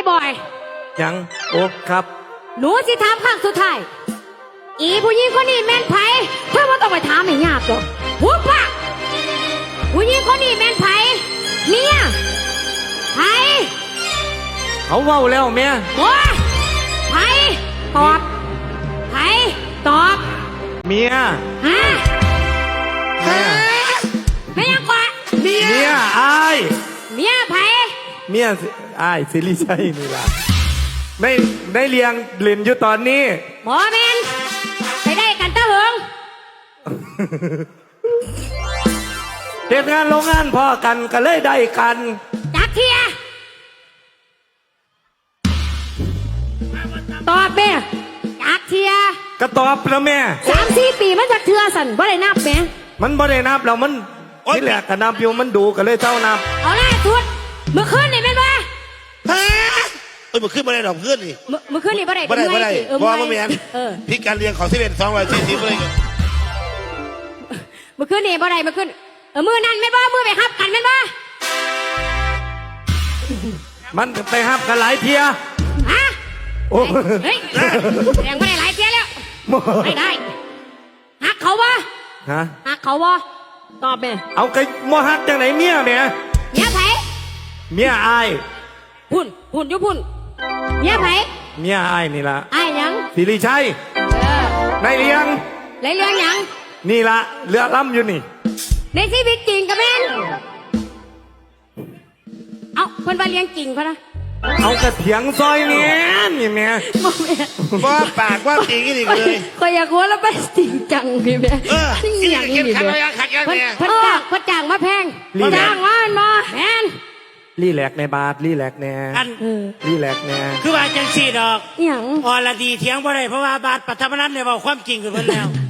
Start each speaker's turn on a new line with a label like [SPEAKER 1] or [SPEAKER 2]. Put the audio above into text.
[SPEAKER 1] บอย
[SPEAKER 2] ยังโอ้ครับ
[SPEAKER 1] หนูสิถามครั้งสุดท้ายอีผู้หญิงคนนี้แม่นไผเธอว่าต้องไปถามให้ยากหรอกหัวปะผู้หญิงคนนี้แม่นไผเมียไผ
[SPEAKER 2] เขาเว้าแล้วแม่
[SPEAKER 1] โอ้ไผตอบไผตอบ
[SPEAKER 2] เมีย
[SPEAKER 1] ฮะไม่ยังกว่า
[SPEAKER 2] เมียอาย
[SPEAKER 1] เมียไผ
[SPEAKER 2] เมียอายสิริชัยนี่ล่ะได้เลี้ยงเล่นอยู่ตอนนี้
[SPEAKER 1] หมอแมนไปได้กันตะเหิง
[SPEAKER 2] เด็กงานโรงงานพ่อกันก็เลยได้กัน
[SPEAKER 1] จักเทียตอบแม่จักเทีย
[SPEAKER 2] ก็ตอบแล้วแม่
[SPEAKER 1] 3-4 ปีมันจักเทือสั่นบ่ได้นับแม่
[SPEAKER 2] มันบ่ได้นับแล้วมันที่แหลกก็นับอยู่มันดูก็เลยเจ้านับ
[SPEAKER 1] เอาล่ะทุดเมื่อคืนนี่แม่นบ่
[SPEAKER 3] ฮะเมื่อคืนบ่ได้ดอกเพื่อนนี่
[SPEAKER 1] เมื่อคืนนี่บ่ได้
[SPEAKER 3] บ่ได้เพราะว่าแม่นพิการเลี้ยงของ11 240บ่ได้
[SPEAKER 1] เมื่อคืนนี่บ่ได้เมื่อคืนมื้อนั้นแม่นบ่มื้อไปฮับกันแม่นบ่
[SPEAKER 2] มันไปฮับกันหลายเที่ย
[SPEAKER 1] ฮะเฮ้ยแรงบ่ได้หลายเที่ยแล้วไม่ได้ฮักเขาบ่
[SPEAKER 2] ฮะ
[SPEAKER 1] ฮักเขาบ่ตอบแม่
[SPEAKER 2] เอาไก่บ่ฮักจังไหนเมียแม่
[SPEAKER 1] เมียไผ
[SPEAKER 2] เมียอาย
[SPEAKER 1] พุ่นอยู่พุ่นเมียไผ
[SPEAKER 2] เมียอายนี่ล่ะ
[SPEAKER 1] อายหยัง
[SPEAKER 2] สิริชัยได้เลี้ยง
[SPEAKER 1] หยัง
[SPEAKER 2] นี่ล่ะเรือล่ำอยู่นี่
[SPEAKER 1] ในชีวิตจริงกับแม่นเอาเพิ่นว่าเลี้ยงจริงพะนะ
[SPEAKER 2] เอากระเถียงซอยเนี่ยนี่แม่
[SPEAKER 3] ว่าปากว่าจริงนี่เลย
[SPEAKER 1] ก็อยากหัวแล้วไปจริงจังพี่แม่
[SPEAKER 3] นี่อย่างนี้ขัดแม่
[SPEAKER 1] เพิ่นจ้างมาแพงจ้างมาแม่น
[SPEAKER 2] รีแลกในบาทรีแลกแน่รีแลกแน่
[SPEAKER 4] คือว่าจังสี่ดอก
[SPEAKER 1] อย่าง
[SPEAKER 4] อรดีเถียงบ่ได้เพราะว่าบาทปัทมนันเนี่ยบอกความจริงกับเพิ่นแล้ว